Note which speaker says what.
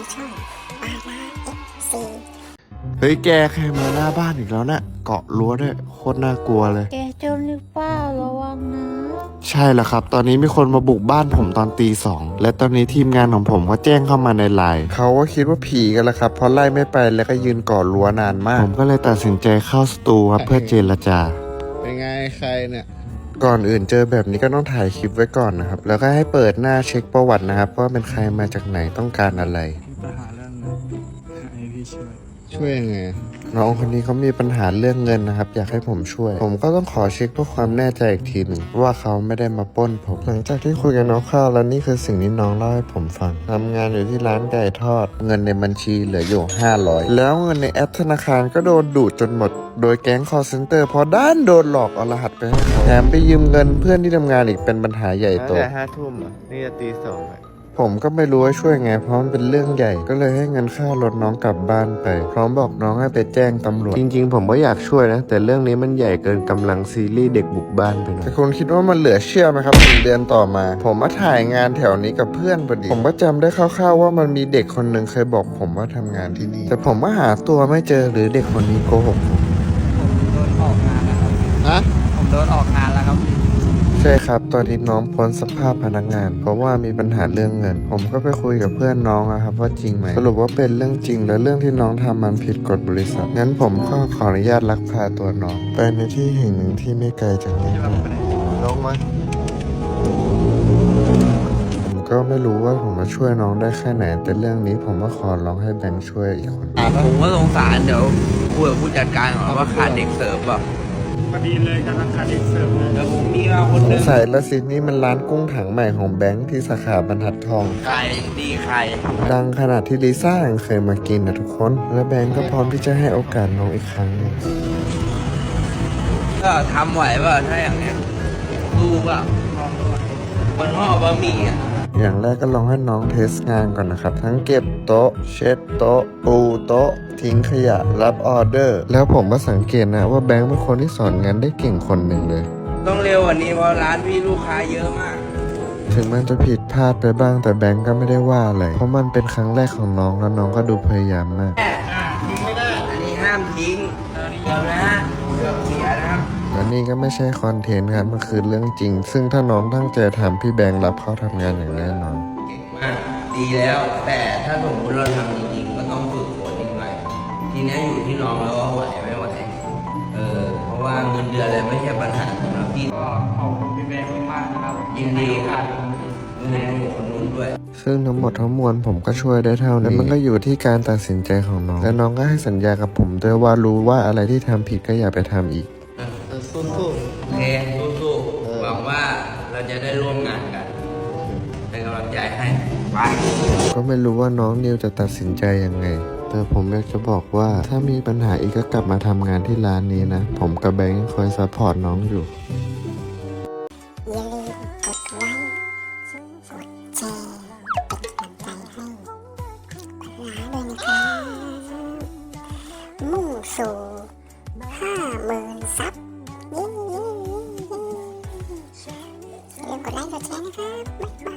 Speaker 1: ช่องปาราFC
Speaker 2: เฮ้ยแกใครมาหน้าบ้านอีกแล้วเนี่ยเกาะรั้วด้วยโคตรน่ากลัวเลย
Speaker 3: แกจนหรือเปล่าระวังนะ
Speaker 2: ใช่แล้วครับ ตอนนี้มีคนมาบุกบ้านผมตอนตี 2และตอนนี้ทีมงานของผมก็แจ้งเข้ามาในไลน์เขาก็คิดว่าผีกันแล้วครับเพราะไล่ไม่ไปแล้วก็ยืนก่อรั้วนานมากผมก็เลยตัดสินใจเข้าสตูครับเพื่อเจรจาเป็นไงใครเนี่ยก่อนอื่นเจอแบบนี้ก็ต้องถ่ายคลิปไว้ก่อนนะครับแล้วก็ให้เปิดหน้าเช็คประวัตินะครับว่าเป็นใครมาจากไหนต้องการอะไร
Speaker 4: มีปัญหาเรื่องเงินให้พี่ช่วย
Speaker 2: ช่วยยังไงน้องคนนี้เขามีปัญหาเรื่องเงินนะครับอยากให้ผมช่วยผมก็ต้องขอเช็คเพื่อความแน่ใจอีกทีหนึ่งว่าเขาไม่ได้มาปล้นผมหลังจากที่คุยกับน้องข้าวแล้วนี่คือสิ่งที่น้องเล่าให้ผมฟังทำงานอยู่ที่ร้านไก่ทอดเงินในบัญชีเหลืออยู่500แล้วเงินในแอปธนาคารก็โดนดูดจนหมดโดยแก๊ง call center พอด้านโดนหลอกเอารหัสไปให้เขาแถมไปยืมเงินเพื่อนที่ทำงานอีกเป็นปัญหาใหญ่โตแต่5 ทุ่มนี่จะตี 2ผมก็ไม่รู้ว่าช่วยไงเพราะมันเป็นเรื่องใหญ่ก็เลยให้เงินค่ารถน้องกลับบ้านไปพร้อมบอกน้องให้ไปแจ้งตำรวจจริงๆผมก็อยากช่วยนะแต่เรื่องนี้มันใหญ่เกินกำลังซีรีส์เด็กบุกบ้านไปหน่อยแต่คุณคิดว่ามันเหลือเชื่อไหมครับ1 เดือนต่อมา ผมมาถ่ายงานแถวนี้กับเพื่อนพอดีผมก็จำได้คร่าวๆว่ามันมีเด็กคนหนึ่งเคยบอกผมว่าทำงานที่นี่แต่ผมก็หาตัวไม่เจอหรือเด็กคนนี้โกหกผม
Speaker 4: ผมโดนออกงานแล้วครับ
Speaker 2: ฮะ
Speaker 4: ผมโดนออกงานแล้วครับ
Speaker 2: ใช่ครับตอนนี้น้องพ้นสภาพพนักงาน เพราะว่ามีปัญหาเรื่องเงิน ผมก็ไปคุยกับเพื่อนน้องนะครับว่าจริงไหมสรุปว่าเป็นเรื่องจริงและเรื่องที่น้องทำมันผิดกฎบริษัทงั้นผมก็ขออนุญาตลักพาตัวน้องไปในที่แห่งหนึ่งที่ไม่ไกลจากนี้ลงมาผมก็ไม่รู้ว่าผมมาช่วยน้องได้แค่ไหนแต่เรื่องนี้ผมก็ขอร้องให้แบงค์ช่วยอีกคน
Speaker 5: ผมก็สงสารเดี๋ยวคุยกับผู้จัดการก่อนว่าขาดเด็กเสิร์ฟป่ะ
Speaker 4: พอดีเลยกำลังขาดเด็กเสิร์ฟเลย
Speaker 5: เดี๋ยวผมมีมาคน
Speaker 2: ส
Speaker 5: หนึ
Speaker 2: ง
Speaker 5: ง
Speaker 2: สัยละสินี่มันร้านกุ้งถังใหม่ของแบงค์ที่สาขาบรรทัดทอง
Speaker 5: ใครดีใคร
Speaker 2: ดังขนาดที่ลิซ่ายังเคยมากินนะทุกคน และแบงก์ก็พร้อมที่จะให้โอกาสน้องอีกครั้งหนึง
Speaker 5: ก็ทำไหวป่ะถ้าอย่างเนี้ยดูป่ะมันห่อบะหมี่อ่ะ
Speaker 2: อย่างแรกก็ลองให้น้องเทสงานก่อนนะครับ ทั้งเก็บโต๊ะ เช็ดโต๊ะ ปูโต๊ะ ทิ้งขยะ รับออเดอร์ แล้วผมก็สังเกตนะว่าแบงก์เป็นคนที่สอนงานได้เก่งคนหนึ่งเลย
Speaker 5: ต้องเร็วกว่านี้เพราะร้านพี่ลูกค้าเยอะมาก
Speaker 2: ถึงมันจะผิดพลาดไปบ้างแต่แบงก์ก็ไม่ได้ว่าอะไร เพราะมันเป็นครั้งแรกของน้องแล้วน้องก็ดูพยายามมาก
Speaker 5: อันนี้ห้ามทิ้งเดี๋ยวนะเกือบเสียนะครับ
Speaker 2: และนี่ก็ไม่ใช่คอนเทนต์ครับมันคือเรื่องจริง ซึ่งถ้าน้องตั้งใจทำพี่แบงค์รับเข้าทำงานอย่างแน่นอน
Speaker 5: เก่งมากดีแล้ว แต่ถ้าสมมติเราทำจริงๆก็ต้องฝึกฝนอีกหน่อยทีนี้อยู่ที่น้องแล้วว่าไหวไม่ไหวเพราะว่าเงินเดือนอะไรไม่ใช่ปัญหาสำหรับพี่
Speaker 4: ก็ขอบคุณพี่แบงค์มากๆนะครับ
Speaker 5: ยินดีครับเงินอยู่คนนู้นด้วย
Speaker 2: ซึ่งทั้งหมดทั้งมวลผมก็ช่วยได้เท่านี้และมันก็อยู่ที่การตัดสินใจของน้อง และน้องก็ให้สัญญากับผมด้วยว่ารู้ว่าอะไรที่ทำผิดก็อย่าไปทำอีก
Speaker 5: สู้ๆโอเคสู้ๆหวังว่าเราจะได้ร่วมงานกัน เป็นกำลังใจให้ไป
Speaker 2: ก็ไม่รู้ว่าน้องนิวจะตัดสินใจยังไง แต่ผมอยากจะบอกว่าถ้ามีปัญหาอีกก็กลับมาทำงานที่ร้านนี้นะ ผมกับแบงค์คอยซัพพอร์ตน้องอยู่
Speaker 1: อย่าลืมกดไลค์กดแชร์เป็นกำลังใจให้ปาราด้วยนะครับมุ่งสู่50,000 ซับเย้อย่าลืมกดไลค์กดแชร์นะครับบ๊ายบาย